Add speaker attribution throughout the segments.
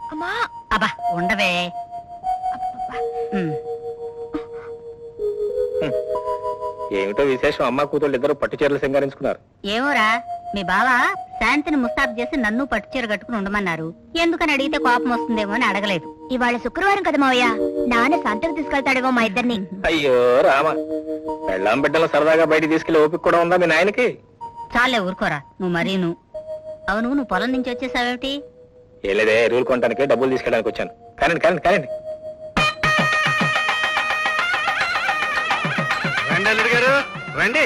Speaker 1: అమ్మా
Speaker 2: అబ్బా ఉండవే.
Speaker 3: ఏమిటో విశేషం, అమ్మ కూతుళ్ళు ఇద్దరు పట్టు చీరలు సింగారించుకున్నారు.
Speaker 2: ఏమోరా, మీ బావ శాంతిని ముస్తాబు చేసి నన్ను పట్టుచీర కట్టుకుని ఉండమన్నారు. ఎందుకని అడిగితే కోపం వస్తుందేమో అని అడగలేదు.
Speaker 1: ఇవాళ శుక్రవారం కదా మావయ్య, నాన్న సంతకు తీసుకెళ్తాడేమో మా ఇద్దరిని.
Speaker 3: అయ్యో రామ, పెళ్ళాం బిడ్డలు సరదాగా బయటికి తీసుకెళ్లి ఓపిక కూడా ఉందా మీ నాయనకి?
Speaker 2: చాలే ఊరుకోరా నువ్వు మరీను. అవును, నువ్వు పొలం నుంచి వచ్చేసావేమిటి?
Speaker 3: ఏ లేదే, ఎరువులు కొనడానికి డబ్బులు తీసుకెళ్ళడానికి వచ్చాను. కానండి కానండి కానండి.
Speaker 4: రండి అల్లుడు గారు, రండి.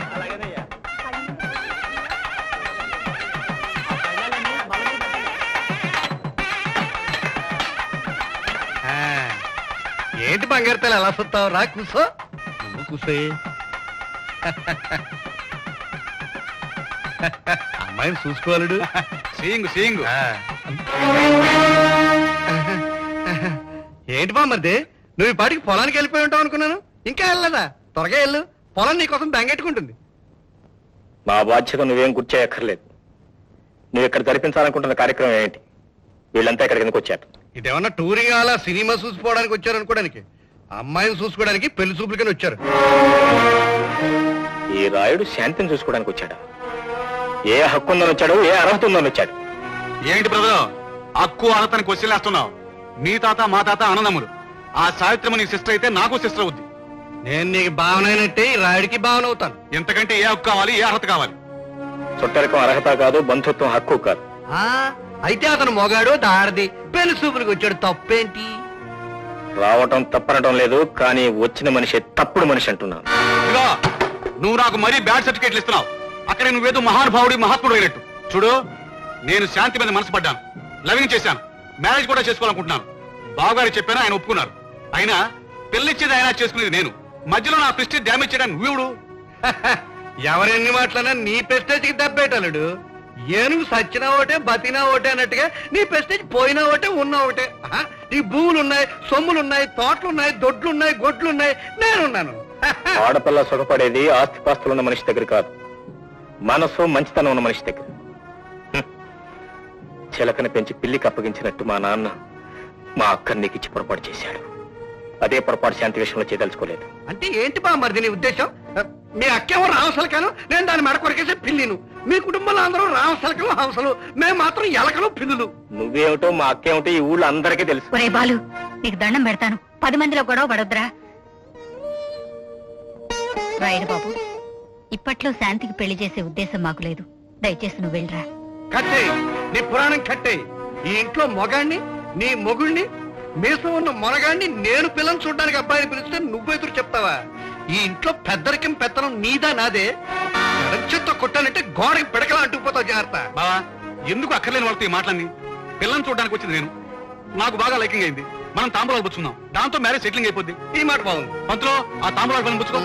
Speaker 4: ఏంటి బంగారు ఎలా చూస్తావు? రా కూసో. నువ్వు కూసో. అమ్మాయిని చూసుకోవాలడు. సీయింగు సీయింగు. ఏంటి బామ్మర్ది, నువ్వు ఈ పాటికి పొలానికి వెళ్ళిపోయి ఉంటావు అనుకున్నాను. ఇంకా వెళ్ళదా? త్వరగా వెళ్ళు, పొలం నీకోసం బెంగెట్టుకుంటుంది.
Speaker 3: మా బాధ్యత నువ్వేం గుర్చేయక్కర్లేదు. నువ్వు ఇక్కడ జరిపించాలనుకుంటున్న కార్యక్రమం ఏంటి? వీళ్ళంతా ఇక్కడికి ఎందుకు వచ్చారు?
Speaker 4: ఇదేమన్నా టూరింగ్ అలా సినిమా చూసుకోవడానికి వచ్చారు అనుకోవడానికి? అమ్మాయిని చూసుకోవడానికి పెళ్లి చూపులకని వచ్చారు.
Speaker 3: ఈ రాయుడు శాంతిని చూసుకోవడానికి వచ్చాడా? ఏ హక్కు ఉందని వచ్చాడు, ఏ అర్హత ఉందని వచ్చాడు?
Speaker 5: ఏంటి బ్రదర్, హక్కు అర్హతని క్వశ్చన్ వేస్తున్నావు? మీ తాత మా తాత అన్నదమ్ములు. ఆ సావిత్రమ నీ సిస్టర్ అయితే నాకు సిస్టర్ అవుద్ది.
Speaker 4: నేను నీకు భావనైనట్టే ఈ రాయుడికి భావన అవుతాను.
Speaker 5: ఎంతకంటే ఏ హక్కు కావాలి, ఏ అర్హత కావాలి?
Speaker 3: చుట్టరికం అర్హత కాదు, బంధుత్వం హక్కు కాదు.
Speaker 4: అయితే అతను మొగాడు దారిది పెళ్లి చూపులకు వచ్చాడు, తప్పేంటి?
Speaker 3: రావటం తప్పనటం లేదు, కానీ వచ్చిన మనిషి తప్పుడు మనిషి అంటున్నాను.
Speaker 5: ఇదిగో, నువ్వు నాకు మరీ బ్యాడ్ సర్టిఫికేట్లు ఇస్తున్నావు. అక్కడ నువ్వేదో మహానుభావుడి మహాత్ముడు అయినట్టు. చూడు, నేను శాంతి మీద మనసు పడ్డాను, లవింగ్ చేశాను, మ్యారేజ్ కూడా చేసుకోవాలనుకుంటున్నాను. బావగారు చెప్పాను, ఆయన ఒప్పుకున్నారు. అయినా పెళ్లిచ్చేది ఆయన, చేసుకునేది నేను. మధ్యలో నా ప్రెస్టేజ్ డ్యామేజ్ చేయడానికి నువ్వుడు.
Speaker 4: ఎవరెన్ని మాటలన్నా నీ ప్రెస్టేజ్కి దెబ్బేటాడు. ఏనుగు సచ్చినా ఒకటే, బతినా ఒకటే అన్నట్టుగా నీ ప్రెస్టేజ్ పోయినా ఒకటే, ఉన్నా ఒకటే. నీ భూములున్నాయి, సొమ్ములున్నాయి, తోటలున్నాయి, దొడ్లున్నాయి, గొడ్లున్నాయి, నేనున్నాను.
Speaker 3: ఆడపిల్ల సుఖపడేది ఆస్తిపాస్తులు ఉన్న మనిషి దగ్గర కాదు, మనసు మంచితనం ఉన్న మనిషి దగ్గర. చిలకని పెంచి పిల్లికి అప్పగించినట్టు మా నాన్న మా అక్కని నీకు ఇచ్చి పొరపాటు చేశాడు. అదే పొరపాటు శాంతి విషయంలో చేయదలుచుకోలేదు.
Speaker 4: అంటే ఏంటి బామ్మర్ది నీ ఉద్దేశం? మీ అక్కేమో రామసలకాను, నేను దాని మెడ కొరికేసే పిల్లిను. మీ కుటుంబంలో అందరూ రామసలకలు, హంసలు, మేము మాత్రం ఎలకలు, పిల్లులు.
Speaker 3: నువ్వేమిటో మా అక్కేమిటో ఈ ఊళ్ళో అందరికీ తెలుసు.
Speaker 2: ఒరే బాలు, నీకు దండం పెడతాను, 10 మందిలో గొడవ పడొద్దురా. రాయుడు బాబు, ఇప్పట్లో శాంతికి పెళ్లి చేసే ఉద్దేశం మాకు లేదు. దయచేసి నువ్వు వెళ్ళరా.
Speaker 4: కట్టే నీ పురాణం కట్టే. ఈ ఇంట్లో మొగాణ్ణి, నీ మొగుణ్ణి, మీసం ఉన్న మొనగాన్ని నేను పిల్లని చూడడానికి అబ్బాయిని పిలిస్తే నువ్వు ఎదురు చెప్తావా? ఈ ఇంట్లో పెద్దరికం పెత్తనం నీదా నాదే? చెత్త కొట్టాలంటే గోడకి పిడకలా అంటుకుపోతావు. జాగ్రత్త.
Speaker 5: బావా, ఎందుకు అక్కర్లేని వాళ్ళతో ఈ మాటలన్నీ? పిల్లని చూడడానికి వచ్చింది నేను, నాకు బాగా లైకింగ్ అయింది. మనం తాంబూలాలు పుచ్చుకుందాం, దాంతో మ్యారేజ్ సెటిలింగ్ అయిపోద్ది.
Speaker 4: ఈ మాట బాగుంది.
Speaker 5: పంతులో ఆ తాంబూలాలు పని పుచ్చుకో.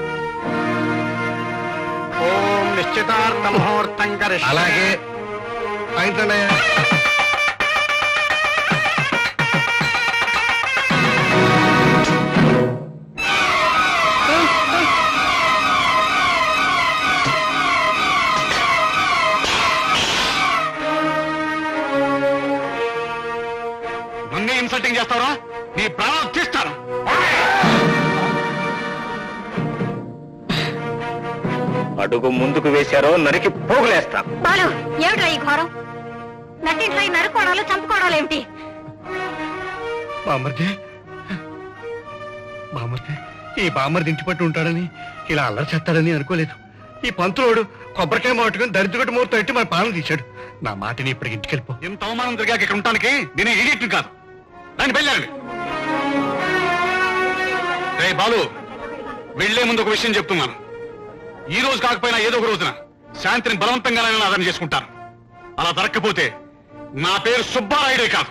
Speaker 4: ఓం నిశ్చితార్థ ముహూర్తం కరిష్యే. అలాగే ఏంటండి?
Speaker 5: నన్నే ఇన్సల్టింగ్ చేస్తావరా? నీ ప్రాణాలు తీస్తాను.
Speaker 3: అడుగు ముందుకు వేశారో నరికి పోగులేస్తా.
Speaker 2: బాలు, ఏమిట్రా ఈ ఘోరం? నటింట్లో నరుకోవడాలు, చంపుకోవడాలు ఏమిటి?
Speaker 4: బామ్మర్ది, బామ్మర్ది, ఈ బామ్మర్ది ఇంటి పట్టు ఉంటాడని, ఇలా అల్లరి చేస్తాడని అనుకోలేదు. ఈ పంతులోడు కొబ్బరికాయ మాటుకుని దరిద్రగట్టు మూర్తం ఎట్టి మన పాలన తీశాడు. నా మాటని ఇప్పటికి ఇంటికి వెళ్ళిపో.
Speaker 5: ఇంత అవమానం జరిగాక ఇక్కడ ఉండటానికి నేను ఈడియట్ని కాదు. దాన్ని బయలుదేరండి. రే బాలు, వెళ్లే ముందు ఒక విషయం చెప్తున్నాను. ఈ రోజు కాకపోయినా ఏదో ఒక రోజున శాంతిని బలవంతంగా ఆదరణ చేసుకుంటాను. అలా దొరక్కపోతే నా పేరు సుబ్బారాయుడే కాదు.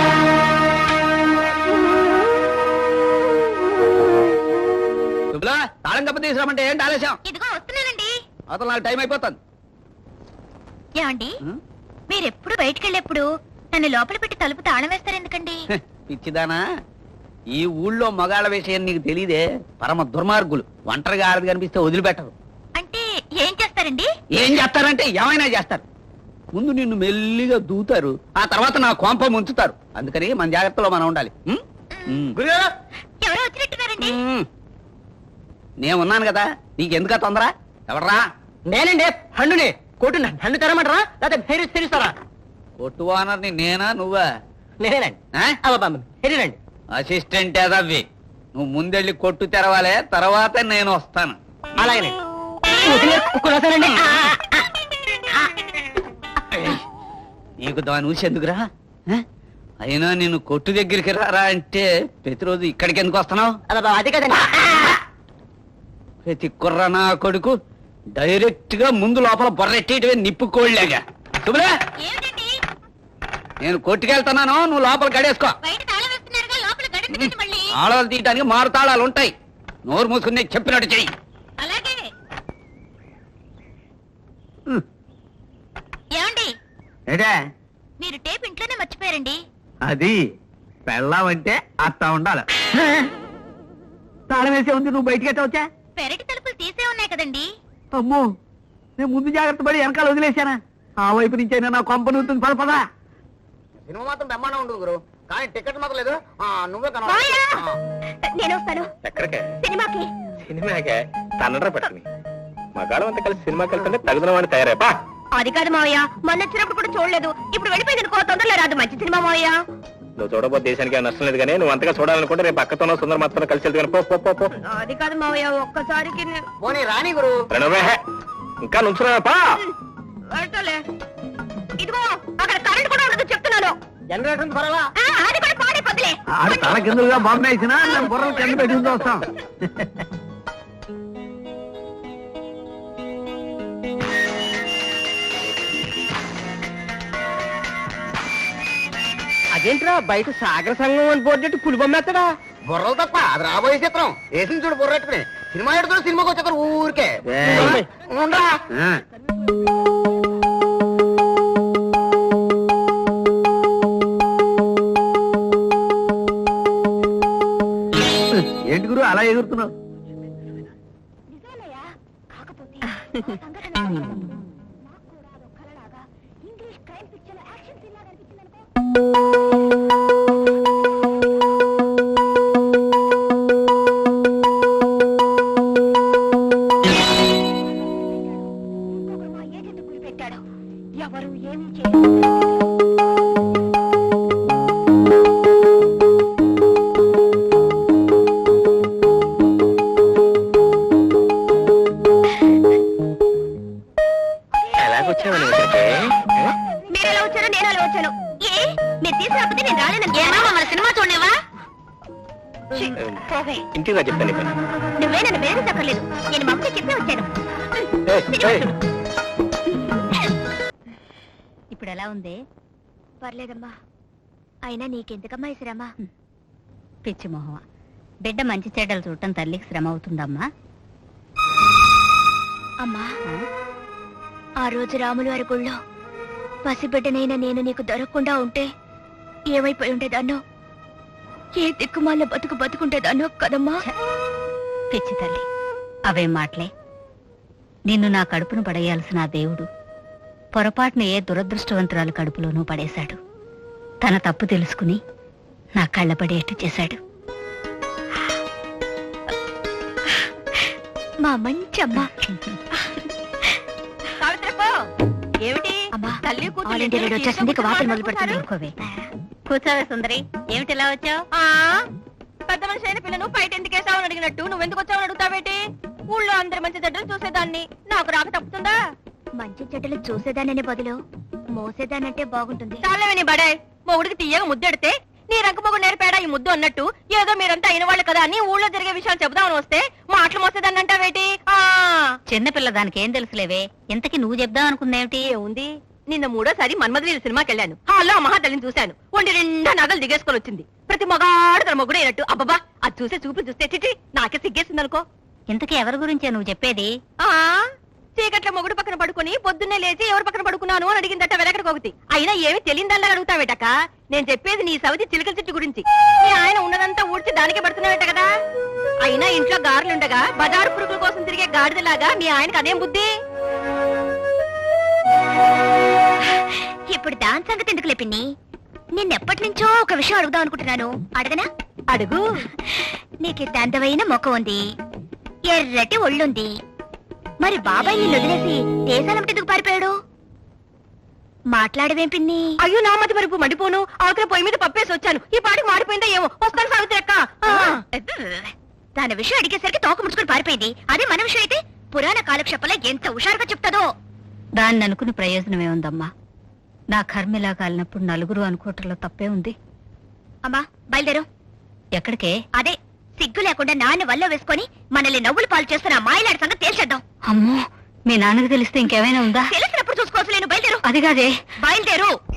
Speaker 6: తాళం కప్ప తీసుకురామంటే ఏంటి ఆలస్యం?
Speaker 1: ఇదిగో వస్తున్నానండి.
Speaker 6: అతను నాకు టైం అయిపోతుంది.
Speaker 1: ఏమండి, మీరెప్పుడు బయటకెళ్ళేప్పుడు నన్ను లోపల పెట్టి తలుపు తాళం వేస్తారు ఎందుకండి?
Speaker 6: పిచ్చిదానా, ఈ ఊళ్ళో మగాళ్ళ విషయం నీకు తెలీదే. పరమ దుర్మార్గులు. ఒంటరిగా ఆడది కనిపిస్తే వదిలిపెట్టరు.
Speaker 1: అంటే ఏం చేస్తారండి?
Speaker 6: ఏం చేస్తారంటే ఏమైనా చేస్తారు. ముందు నిన్ను మెల్లిగా దూతారు, ఆ తర్వాత నా కొంప ముంచుతారు. అందుకని మన జాగ్రత్తలో మనం ఉండాలి.
Speaker 1: ఎవరో వచ్చినట్టున్నారండి.
Speaker 6: నేనున్నాను కదా, నీకెందుక తొందర? ఎవడరా?
Speaker 7: నేనండి హండుని కొట్టు హండు తెరమంటారా లేకపోతే తెరుస్తారా?
Speaker 6: కొట్టు ఓనర్ని నేనా నువ్వా?
Speaker 7: నేనేనండి. హెరీనండి.
Speaker 6: అసిస్టెంట్ ఏదవ్వి. నువ్వు ముందెళ్ళి కొట్టు తెరవాలే, తర్వాత నేను వస్తాను.
Speaker 7: అలాగేనండి.
Speaker 6: నీకు దాని ఊసి ఎందుకురా? అయినా నేను కొట్టు దగ్గరికి రారా అంటే ప్రతిరోజు ఇక్కడికి ఎందుకు వస్తున్నావు?
Speaker 7: అది కదండి.
Speaker 6: ప్రతి కుర్ర నా కొడుకు డైరెక్ట్ గా ముందు లోపల బొర్రెట్టేటివే నిప్పుకోళ్ళగా. శుభ్రా,
Speaker 1: ఏమిటండి
Speaker 6: నేను కొట్టుకెళ్తున్నాను, నువ్వు లోపల గడేసుకో.
Speaker 1: బయట తాళం వేస్తున్నారుగా, లోపల గడపండి మళ్ళీ.
Speaker 6: తాళాలు తీయడానికి మారు తాళాలు ఉంటాయి. నోరు మూసుకుని చెప్పినట్టు చెయ్యి.
Speaker 1: అలాగే. ఏమండి
Speaker 4: ఏటే
Speaker 1: మీరు టేప్ ఇంట్లోనే మర్చిపోయారండి.
Speaker 4: అది పెళ్ళావంటే అత్త ఉండాలి. తాళం వేసే ఉంది, నువ్వు బయటికి ఎట్ట వచ్చా?
Speaker 1: పెరటి తలుపులు తీసే ఉన్నాయి కదండి.
Speaker 4: అమ్మో, నేను ముందు జాగ్రత్త పడి వెనకాల వదిలేశానా? ఆ వైపు నుంచి అయినా నా కొంప నూతుంది. పద.
Speaker 7: సినిమా మాత్రం బ్రహ్మాండం ఉండదు గురు, కానీ టికెట్ మాత్రం లేదు. నువ్వే
Speaker 1: మాయా! నేను వస్తాను
Speaker 3: ఎక్కడికే?
Speaker 1: సినిమాకి.
Speaker 3: సినిమాకే తన్నర పట్టుకుని మగాళ్ళం అంతా కలిసి సినిమాకి వెళ్తుంటే తగుదన వాడిని తయారైపా.
Speaker 1: అది కాదు మావయ్య, మొన్న వచ్చినప్పుడు కూడా చూడలేదు, ఇప్పుడు వెళ్ళిపోయింది అనుకో, తొందరలో రాదు. మంచి సినిమా మావయ్య.
Speaker 3: నువ్వు చూడబోతే దేశానికి ఏం నష్టం లేదు, కానీ నువ్వు అంతగా చూడాలనుకుంటే రేపు పక్కతోనో సుందర మాత్రం కలిసి వెళ్తే పో పో పో పో.
Speaker 1: అది కాదు మావయ్య, ఒక్కసారికి
Speaker 7: పోనీ రాని గురు.
Speaker 3: ప్రణవే, ఇంకా నుంచున్నావా?
Speaker 1: వెళ్ళలే. ఇదిగో అక్కడ కరెంట్ కూడా ఉండదు చెప్తున్నాను.
Speaker 7: జనరేషన్ పర్వాలా?
Speaker 1: అది కూడా పాడైపోతులే.
Speaker 4: ఆడు తల కిందలుగా బాంబు వేసినా మేము బుర్రలు కింద పెట్టి వస్తాం.
Speaker 7: అదేంట్రా బయట సాగర సంఘం అని బోర్డు పులి బొమ్మేస్తాడా? బుర్రలు తప్ప అది రాబోయే చిత్రం. వేసింది చూడు బుర్రెట్టుకుని. సినిమా ఎడుతున్నా సినిమాకి వచ్చేస్తారు ఊరికే. ఉండరా?
Speaker 4: ఏంటి గురు అలా ఎగురుతున్నావు?
Speaker 1: ఎవరు ఏమి
Speaker 3: ఎలాగొచ్చావని ఇక్కడికి?
Speaker 1: మీరు ఎలా వచ్చారో నేను అలా వచ్చాను. ఏ మీరు తీసుకురాకపోతే నేను రాలేను. మన సినిమా చూడలేవా?
Speaker 3: ఇంటిగా చెప్తాను పని.
Speaker 1: నువ్వే నన్ను వేరే చెప్పలేదు, నేను మమ్మీ చెప్పి వచ్చాను.
Speaker 2: ఇప్పుడు ఎలా ఉంది?
Speaker 1: పర్లేదమ్మా, అయినా నీకెందుకమ్మా ఈ శ్రమ?
Speaker 2: పిచ్చి మొహమ, బిడ్డ మంచి చెడ్డలు చూడటం తల్లికి శ్రమ అవుతుందమ్మా.
Speaker 1: అమ్మా, ఆ రోజు రాములు వారి గుళ్ళో పసిబిడ్డనైనా నేను నీకు దొరకకుండా ఉంటే ఏమైపోయి ఉండేదాన్నో, ఏ దిక్కుమాల బతుకుంటేదాన్నో కదమ్మా.
Speaker 2: పిచ్చి తల్లి, అవేం మాటలే. నిన్ను నా కడుపును పడేయాల్సిన ఆ దేవుడు పొరపాటున ఏ దురదృష్టవంతురాలు కడుపులోనూ పడేశాడు. తన తప్పు తెలుసుకుని నా కళ్ళ పడేట్టు చేశాడు.
Speaker 1: మా మంచి అమ్మా.
Speaker 2: ఏమిటి
Speaker 1: అమ్మా,
Speaker 2: తల్లి
Speaker 1: ఆల్ ఇండియా రేడియో వచ్చేసింది, ఇక వార్తలు మొదలు పెడతాను.
Speaker 2: కూర్చోవే సుందరి, ఏమిటి ఇలా వచ్చావు?
Speaker 1: పెద్ద మనిషి అయిన పిల్లను బయట ఎందుకు వేసావని అడిగినట్టు నువ్వెందుకు వచ్చావని అడుగుతావేటి? ఊళ్ళో అందరి మంచి చెడ్డలు చూసేదాన్ని, నాకు రాక తప్పుతుందా? మంచి చెడ్డలు చూసేదాననే బదులు మోసేదానంటే బాగుంటుంది. చాలేవని బడే మొగుడికి తీయగా ముద్దెడితే నీ రంక మొగుడు నేర్పాడా ఈ ముద్దు అన్నట్టు, ఏదో మీరంతా అయిన వాళ్ళు కదా అని ఊళ్ళో జరిగే విషయాలు చెబుదామని వస్తే మాటలు మోసేదాన్ని అంటావేటి?
Speaker 2: చిన్నపిల్ల దానికి ఏం తెలుసులేవే. ఇంతకి నువ్వు చెప్దాం అనుకుందేమిటి?
Speaker 1: ఏముంది, నిన్న మూడోసారి మన్మధుల సినిమాకి వెళ్ళాను. హాల్లో మహాతల్లిని చూశాను. ఒంటి నిండా నగలు దిగేసుకొని వచ్చింది. ప్రతి మగాడు తన మొగుడు అయినట్టు. అబ్బబ్బా, అది చూసే చూపు చూస్తే చిచి నాకే సిగ్గేసింది అనుకో.
Speaker 2: ఇంతకీ ఎవరి గురించే నువ్వు చెప్పేది?
Speaker 1: చీకట్ల మొగుడు పక్కన పడుకుని పొద్దున్నే లేచి ఎవరు పక్కన పడుకున్నాను అని అడిగిందట వెలకడ కోగతి. అయినా ఏమి తెలియదల్లా అడుగుతావేటక? నేను చెప్పేది నీ సవితి చిలకల చెట్టు గురించి. నీ ఆయన ఉన్నదంతా ఊడ్చి దానికే పడుతున్నావేట కదా. అయినా ఇంట్లో గారులుండగా బజారు పురుగుల కోసం తిరిగే గాడిదలాగా మీ ఆయనకు అదేం బుద్ధి? ఇప్పుడు దాని సంగతి ఎందుకు లేపిన్ని నిన్నెప్పటి నుంచో ఒక విషయం అడుగుదాం అనుకుంటున్నాను. అడగనా? అడుగు. నీకు అందమైన ముఖం ఉంది, ఎర్రటి ఒళ్ళుంది. మరి బాబాయ్ నిన్ను వదిలేసి దేశాలంటే ఎందుకు పారిపోయాడు? మాట్లాడవేం పిన్ని?
Speaker 2: అయ్యో నా మతి వరకు మండిపోను. అవతల పొయ్యి మీద పప్పేసి వచ్చాను. ఈ పాటికి మాడిపోయిందా ఏమో. వస్తాను సావిత్రి అక్క.
Speaker 1: తన విషయం అడిగేసరికి తోక ముడుచుకుని పారిపోయింది. అదే మన విషయం అయితే పురాణ కాలక్షేపంలో ఎంత హుషారుగా చెప్తాదో.
Speaker 2: దాన్ని అనుకుని ప్రయోజనమే ఉందమ్మా. నా కర్మిలా కాలినప్పుడు నలుగురు అనుకోవటంలో తప్పే ఉంది.
Speaker 1: అమ్మా బయలుదేరు.
Speaker 2: ఎక్కడికే?
Speaker 1: అదే సిగ్గు లేకుండా నాన్న వల్ల వేసుకొని మనల్ని నవ్వులు పాలు చేస్తున్న మాయలాడి సంగతి తేల్చేద్దాం.
Speaker 2: అమ్మో, మీ నాన్నకు తెలిస్తే ఇంకేమైనా ఉందా?
Speaker 1: తెలిసినప్పుడు చూసుకోవచ్చు. నేను బయలుదేరు.
Speaker 2: అది కాదే.
Speaker 1: బయలుదేరు.